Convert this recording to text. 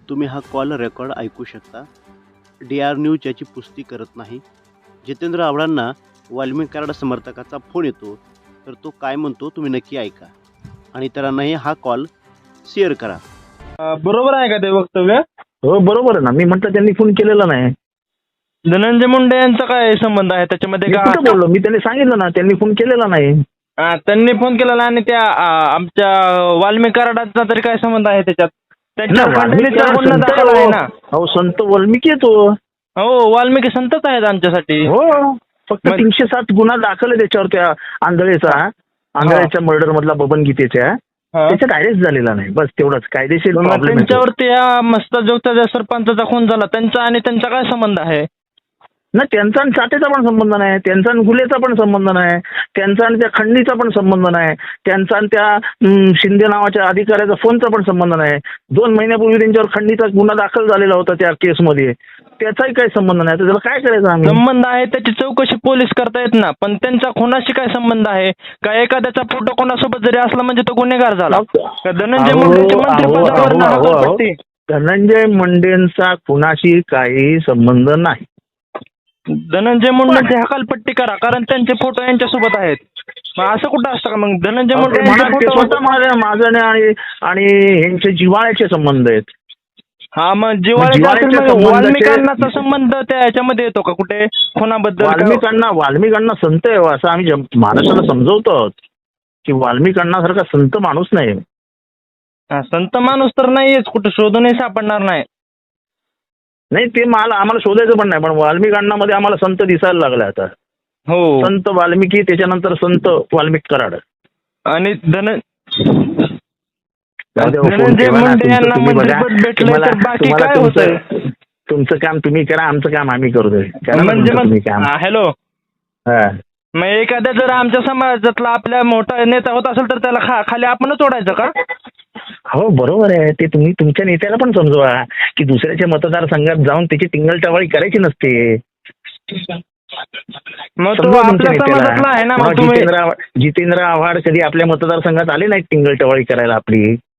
तुम्ही हा call record ऐकू शकता. DR न्यूज याची पुष्टी करत नाही. जितेंद्र आव्हाडांना वाल्मिक कराड समर्थकाचा फोन येतो, तर तो काय म्हणतो तुम्ही नक्की ऐका आणि इतरांनाही हा कॉल शेअर करा. बरोबर आहे का ते वक्तव्य? हो बरोबर आहे ना. मी म्हटलं त्यांनी फोन केलेला नाही. धनंजय मुंडे यांचा काय संबंध आहे त्याच्यामध्ये? मी कुठं बोललो? मी त्यांनी सांगितलं ना, त्यांनी फोन केलेला नाही. त्यांनी फोन केलेला आणि त्या आमच्या वाल्मिक कराडाचा तरी काय संबंध आहे त्याच्यात? त्यांच्या खंडणीचा गुन्हा दाखल आहे ना. हो संत वाल्मिकी आहे तो. हो वाल्मिकी संतच आहेत आमच्यासाठी. हो फक्त 307 गुन्हा दाखल आहे त्याच्यावर, त्या आंधळेचा, आंधळेच्या मर्डर मधला बबन गीतेच्या. त्याच्यात अरेस्ट झालेला नाही, बस तेवढंच. कायदेशीर प्रॉब्लेम आहे. त्यांच्यावरती या मस्ताजोगचा ज्या सरपंचाचा खून झाला त्यांचा आणि त्यांचा काय संबंध आहे? ना त्यांचा आणि चाटेचा पण संबंध नाही, त्यांचा आणि हुलेचा पण संबंध नाही, त्यांचा आणि त्या खंडणीचा पण संबंध नाही, त्यांचा आणि त्या शिंदे नावाच्या अधिकाऱ्याचा फोनचा पण संबंध नाही. 2 महिन्यापूर्वी त्यांच्यावर खंडणीचा गुन्हा दाखल झालेला होता त्या केसमध्ये, त्याचाही काही संबंध नाही. तर त्याला काय करायचं आम्ही? संबंध आहे त्याची चौकशी पोलीस करतायत ना, पण त्यांचा खुनाशी काय संबंध आहे? का एखाद्याचा फोटो कोणासोबत जरी असला म्हणजे तो गुन्हेगार झाला? का धनंजय मुंडेची मंत्रिपदावर हकालपट्टी? धनंजय मुंडेंचा खुनाशी काही संबंध नाही. धनंजय मुंडेची हकालपट्टी करा, कारण त्यांचे फोटो यांच्यासोबत आहेत. मग असं कुठं असतं का? मग धनंजय मुंडे स्वतः माझं आणि यांचे जिव्हाळ्याचे संबंध आहेत. हा मग जिव्हाळ्याचा वाल्मिकांनाचा संबंध त्या ह्याच्यामध्ये येतो का कुठे खुनाबद्दल? वाल्मिकांना संत आहे असं आम्ही महाराष्ट्राला समजवतो की वाल्मिकांना संत माणूस नाही. संत माणूस तर नाहीच, कुठे शोधूनही सापडणार नाही. नाही ते आम्हाला शोधायचं पण नाही, पण वाल्मिकांना मध्ये आम्हाला संत दिसायला लागला आता. हो संत वाल्मिकी, त्याच्यानंतर संत वाल्मिक कराड आणि धनंजय मुंडे यांना मंत्रिपद भेटलं तर बाकी काय होतंय? तुमचं काम तुम्ही करा, आमचं काम आम्ही करतोय. हॅलो, मग एखाद्या जर आमच्या समाजातला आपल्या मोठा नेता होत असेल तर त्याला खाली आपणच ओढायचं का? हो बरोबर आहे. ते तुम्ही तुमच्या नेत्याला पण समजवा की दुसऱ्याच्या मतदारसंघात जाऊन त्याची टिंगलटवाळी करायची नसते. मग तो आपल्या समाजातला आहे ना. जितेंद्र आव्हाड कधी आपल्या मतदारसंघात आले नाहीत टिंगलटवाळी करायला आपली.